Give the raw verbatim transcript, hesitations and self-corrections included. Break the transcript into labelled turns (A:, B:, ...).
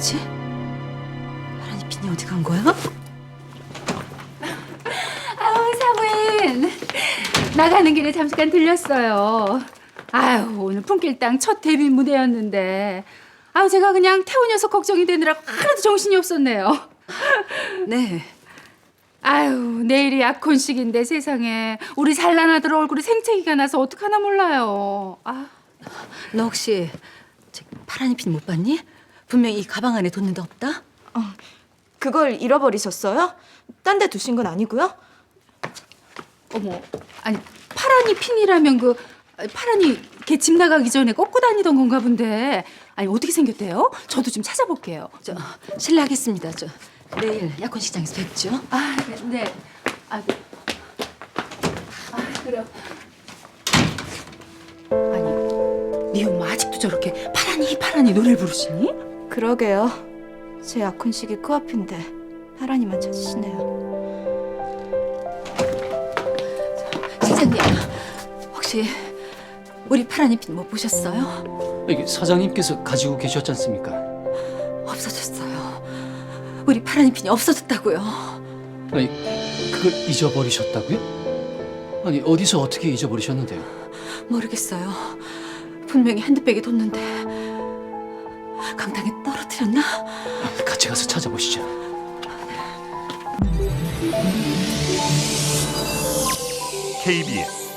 A: 뭐지? 파란이 핀이 어디 간 거야?
B: 아우 사부인 나가는 길에 잠깐 들렸어요. 아유 오늘 품길당 첫 데뷔 무대였는데 아우 제가 그냥 태우 녀석 걱정이 되느라 하나도 정신이 없었네요.
A: 네.
B: 아유 내일이 약혼식인데 세상에 우리 잘난 아들 얼굴에 생채기가 나서 어떡하나 몰라요. 아.
A: 너 혹시 저 파란이 핀 못 봤니? 분명히 이 가방 안에 뒀는데 없다?
C: 그걸 잃어버리셨어요? 딴 데 두신 건 아니고요?
B: 어머, 아니 파란이 핀이라면 그 파란이 걔 집 나가기 전에 꺾고 다니던 건가 본데 아니 어떻게 생겼대요? 저도 좀 찾아볼게요.
A: 저 실례하겠습니다. 저 내일 약혼식장에서 뵙죠.
B: 아, 네. 아, 네. 아, 그럼. 아니, 네 엄마 아직도 저렇게 파란이 파란이 노래를 부르시니?
C: 그러게요. 제 약혼식이 코앞인데 파란이만 찾으시네요.
A: 실장님, 혹시 우리 파란이 핀 못 보셨어요?
D: 이게 사장님께서 가지고 계셨지 않습니까?
A: 없어졌어요. 우리 파란이 핀이 없어졌다고요.
D: 아니, 그걸 잊어버리셨다고요? 아니, 어디서 어떻게 잊어버리셨는데요?
A: 모르겠어요. 분명히 핸드백에 뒀는데 강당에 떨어뜨렸나?
D: 같이 가서 찾아보시죠.
E: 케이비에스